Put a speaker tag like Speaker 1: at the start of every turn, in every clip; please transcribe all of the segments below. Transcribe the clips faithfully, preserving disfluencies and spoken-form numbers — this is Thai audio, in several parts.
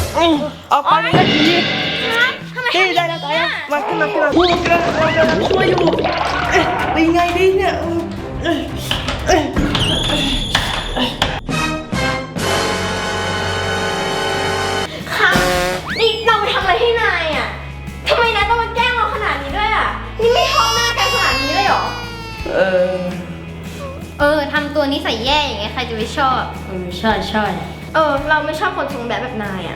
Speaker 1: ออกไปเลยทีนี่ได้แล้วตายมาขึ้นมาขึ้นมาพูดกันเรากำลังช่วยอยู่เป็นไงดีเนี่ย
Speaker 2: ค่ะนี่เราไปทำอะไรให้นายอ่ะทำไมนายต้องมาแกล้งเราขนาดนี้ด้วยอ่ะนี่ไม่ชอบหน้ากันขนาดนี้เลยเหรอ
Speaker 1: เออ
Speaker 3: เออทำตัวนิสัยแย่อย่างเงี้ยใครจะไปชอบ
Speaker 4: เออใช่ใช่
Speaker 2: เออเราไม่ชอบคนทรงแบบแบบนายอ่ะ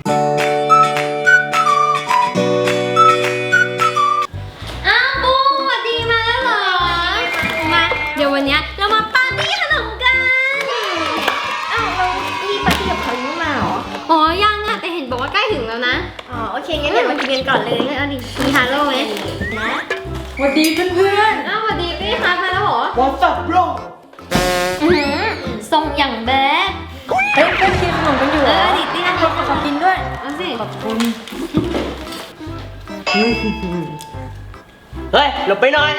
Speaker 3: อ้าวบูสวัสดีมาแล้วเหรอมาเดี๋ยววันเนี้ยเรามาปาร์ตี้ขนมกัน
Speaker 2: อ้าวเรารีบปาร์ตี้กับเขาอยู่มาเหรอ
Speaker 3: อ๋อยังอะแต่เห็นบอกว่าใกล้ถึงแล้วนะ
Speaker 2: อ๋อโอเคงั้นเดี๋ยวมากินกันก่อนเลย
Speaker 3: เอาดิมีฮาโลไหม
Speaker 2: นะ
Speaker 4: สวัสดีเพื่อน
Speaker 3: อ้าวสวัสดีพี่ครับมาแล้วเหรอ
Speaker 1: What's up bro
Speaker 3: อือทรงอย่างแบด
Speaker 4: เฮ้ยเพื่อนกินขนมกันอยู่เหรอ
Speaker 3: เออดิตี้นะ
Speaker 4: ขอกินด้วย
Speaker 3: เอาสิ
Speaker 4: ขอบคุณ
Speaker 1: เฮ้ยหลบไปหน่อย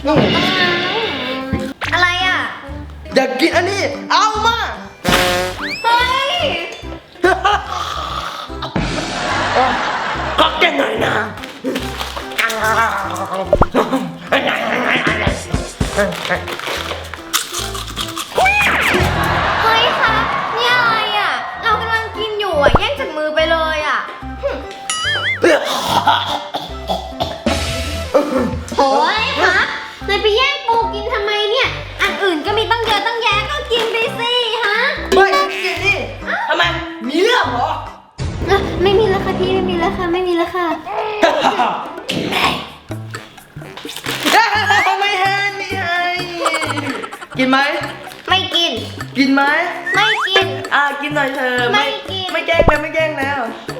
Speaker 2: อะไรอ่ะ
Speaker 1: อยากกินอันนี้เอามา
Speaker 2: เฮ้ย
Speaker 1: ก็แกหน่อยนะ
Speaker 2: เฮ้ยคะนี่อะไรอ่ะเรากำลังกินอยู่อ่ะแย่งจากมือไปเลยอ่ะ
Speaker 3: โอ้ยครับนายไปแย่งปูกินทำไมเนี่ยอันอื่นก็มีตั้งเยอะตั้งแยะก็กินไปสิฮะ
Speaker 1: ไม่กินนี่ทำไมมีเรื่องเหรอ
Speaker 3: ไม่มีแล้วค่ะพี่ไม่มีแล้วค่ะไม่มีแล้วค่ะ
Speaker 1: ไม่ให้ไม่ให้กินไหม
Speaker 2: ไม่กิน
Speaker 1: กินไหม
Speaker 2: ไม่กิน
Speaker 1: อ่ากินหน่อยเธอ
Speaker 2: ไม่กิน
Speaker 1: ไม่แกล้งแล้วไม่แกล้งแล้ว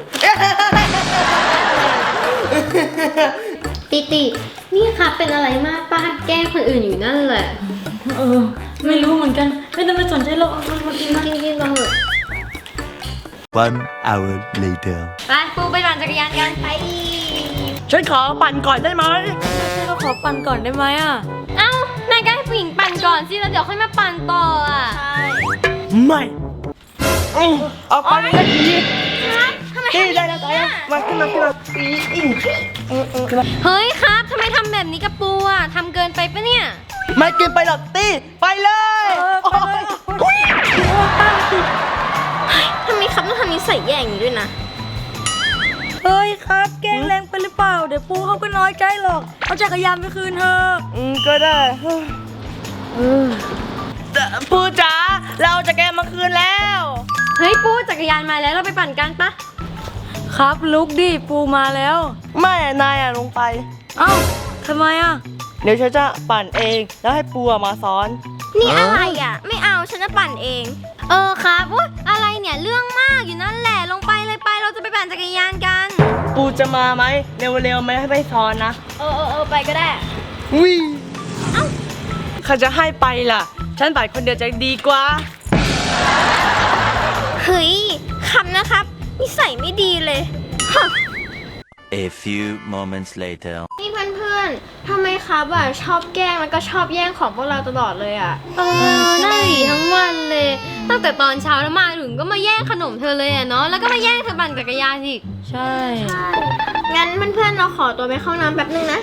Speaker 3: ติตินี่ค่ะเป็นอะไรมากป้าแกล้งคนอื่นอยู่นั่นแหละ
Speaker 4: เออไม่รู้เหมือนกันไม่ต้องไปสนใจหรอกเอามากินนะ
Speaker 3: กินกินมาเถอะ
Speaker 5: One hour later
Speaker 3: ไปปูไปปั่นจักรยานกันไป
Speaker 1: ฉันขอปั่นก่อนได้ไหม
Speaker 4: ใช่ก็ขอปั่นก่อนได้ไหมอ่ะ
Speaker 3: เอ้านายก็ให้ผู้หญิงปั่นก่อนสิแล้วเดี๋ยวค่อยมาปั่นต่ออ่ะ
Speaker 1: ไม่ออกไปเลยทีนี่ได้แล้วตายมาขึ้นมาขึ้นมาอีอี
Speaker 3: เฮ้ยครับทำไมทำแบบนี้กับปูอ่ะทำเกินไปปะเนี่ย
Speaker 1: ไม่กินไปหรอกตี้ไปเลย
Speaker 2: ทำไมครับต้องทำนิสัยแย่อย่างนี้ด้วยนะ
Speaker 4: เฮ้ยครับแกล้งแรงไปหรือเปล่าเดี๋ยวปูเขาก็น้อยใจหรอกเอาจักรยานไปคืนเธอ
Speaker 1: อืมก็ได้ปูจ๋าเราจะแกมาคืนแล้ว
Speaker 3: เฮ้ยปูจักรยานมาแล้วเราไปปั่นกันปะ
Speaker 4: ครับลุกดิปูมาแล้ว
Speaker 1: ไม่นายอ่ะลงไป
Speaker 4: เอ้าทำไมอ่ะ
Speaker 1: เดี๋ยวฉันจะปั่นเองแล้วให้ปูมาซ้อน
Speaker 2: นี่อะไรอ่ะไม่เอาฉันจะปั่นเอง
Speaker 3: เออครับอุ๊ยอะไรเนี่ยเรื่องมากอยู่นั่นแหละลงไปเลยไปเราจะไปปั่นจักรยานกัน
Speaker 1: ปูจะมาไหมเร็วๆไหมให้ไปซ้อนนะ
Speaker 2: เออเออเออไปก็ได้
Speaker 1: วิเอ้าใครจะให้ไปล่ะฉันปั่นคนเดียวจะดีกว่า
Speaker 2: เฮ้ยคำนะครับนิสัยไม่ดีเลย
Speaker 5: A few moments later
Speaker 2: นี่เพื่อนๆทำไมครับอ่ะชอบแกล้งแล้วก็ชอบแย่งของพวกเราตลอดเลยอ่ะ
Speaker 3: เออน่าดีทั้งวันเลยตั้งแต่ตอนเช้าแล้วมาถึงก็มาแย่งขนมเธอเลยอ่ะเนาะแล้วก็มาแย่งเธอปั่นจักรยานอีก
Speaker 4: ใช่
Speaker 2: ใช่งั้นเพื่อนๆเราขอตัวไปเข้าน้ำแป๊บนึงนะ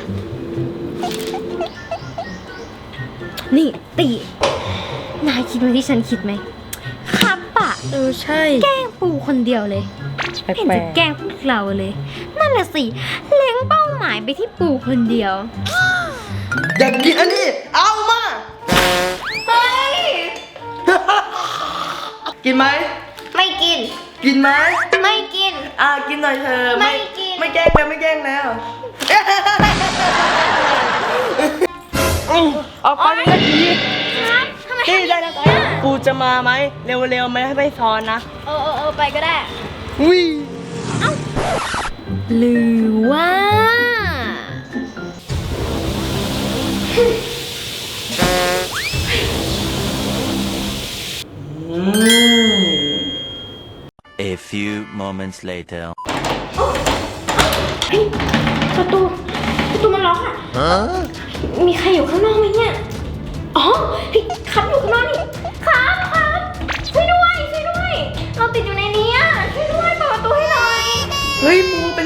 Speaker 3: นี่ตีนายคิดเหมือนที่ฉันคิดไหมครับปะ
Speaker 4: เออใช่
Speaker 3: แกล้งปูคนเดียวเลยเห็นจะแกล้งพวกเราเลยนั่นแหละสิเล็งเป้าหมายไปที่ปูคนเดียว
Speaker 1: อยากกินอันนี้เอามา
Speaker 2: เฮ้ย
Speaker 1: กินไหม
Speaker 2: ไม่กิน
Speaker 1: กินไหม
Speaker 2: ไม่กิน
Speaker 1: อ่ากินหน่อยเธอ
Speaker 2: ไม่กิน
Speaker 1: ไม่แกล้งแล้วไม่แกล้งแล้วออกไปเลยทีนี่ได้แล้วตายปูจะมาไหมเร็วๆไหมให้ไปซ้อนนะ
Speaker 2: เออเออเออไปก็ได้
Speaker 1: วิ
Speaker 3: เอ้าหรือว่า
Speaker 5: A few moments later
Speaker 2: ประตูประตูมันล็อกอ่ะมีใครอยู่ข้างนอกไหมเนี่ยอ๋อพี่ครับอยู่ข้างนอกนี่ครับครับช่วยด้วยช่วยด้วยเราติดอยู่ในนี้อ่ะช่วยด้วยเปิดประตูให้หน่อย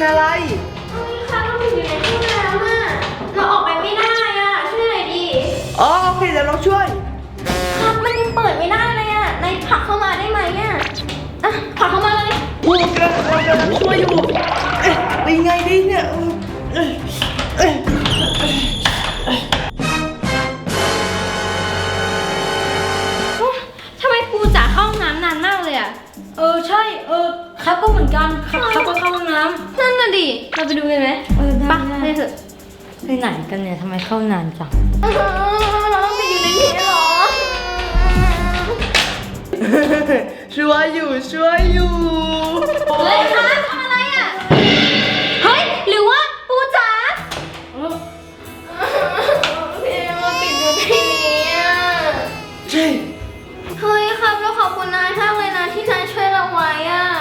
Speaker 1: อะไร
Speaker 2: เฮ้ยค่ะเราอยู่ในห้องน้ำอ่ะเราออกไปไม่ได้อ่ะช่วยหน่อยดิ
Speaker 1: อ๋อโอเคเดี๋ยวเราช่วย
Speaker 2: ครับมันยังเปิดไม่ได้เลยอ่ะนายผลักเข้ามาได้ไหมอ่ะอ่ะผลักเข้ามาเลย
Speaker 1: พูดกันเรากำลังช่วยอยู่ เอ๊ะไปไงดีเนี่ยเอ๊ะเอ๊ะ
Speaker 3: ทำไมปูจ๋าเข้าห้องน้ำนานมากเลยอ่ะ
Speaker 4: เออใช่ เออครับก็เหมือนกันครับครับก็เข้าห้องน้
Speaker 3: นั่นน่ะดิ เราไปดูกันไหม
Speaker 4: ำเออได้
Speaker 3: ปะ
Speaker 4: ได้
Speaker 3: ไปเถอะ
Speaker 4: ไปไหนกันเนี่ยทำไมเข้านานจัง
Speaker 2: อื้อหือเราต้องไปอยู่ในนี้เหรอ
Speaker 1: ช่วยอยู่ช่วยอยู่
Speaker 3: เฮ้ยคะทำอะไรอ่ะ เฮ้ย หรือว่าปูจ๋า
Speaker 2: พี่เราติดอยู่ในนี้อ่ะ
Speaker 1: ใช่
Speaker 2: เฮ้ยครับเราขอบคุณนายมากเลยนะที่นายช่วยเราไว้อ่ะ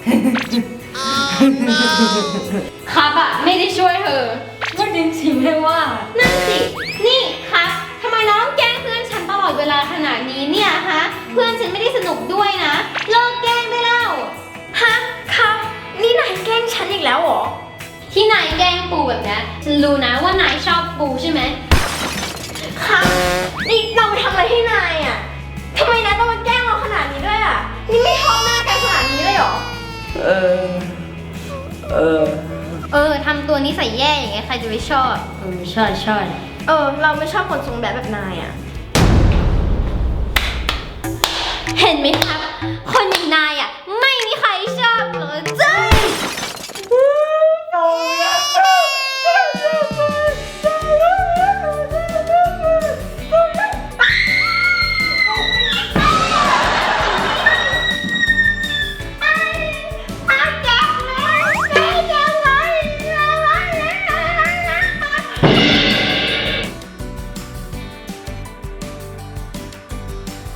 Speaker 3: ครับอ่ะ ไม่ได้ช่วยเธอ
Speaker 4: ก็ดินสิไม่ว่า
Speaker 3: นั่นสิ นี่ครับทำไมน้องแกล้งเพื่อนฉันตลอดเวลาขนาดนี้เนี่ยฮะ เพื่อนฉันไม่ได้สนุกด้วยนะ เลิกแกล้งได้แล้ว
Speaker 2: ฮะครับนี่นายแกล้งฉันอีกแล้วเหรอ
Speaker 3: ที่นายแกล้งปูแบบนี้ฉันรู้นะว่านายชอบปูใช่ไหม
Speaker 2: ครับนี่เราทำอะไรให้นายอ่ะทำไมนายต้องมาแกล้งเราขนาดนี้ด้วยอ่ะ นี่ไม่ชอบหน้ากันขนาดนี้เลยเหรอ
Speaker 1: เออ เออ
Speaker 3: เออทำตัวนิสัยแย่อย่างเงี้ยใครจะไปชอบ
Speaker 4: เออใช่ใช่
Speaker 2: เออ เราไม่ชอบคนทรงแบบแบบนายอ่ะ
Speaker 3: เห็นไหมครับ คนอย่างนายอ่ะ ไม่มีใครชอบหร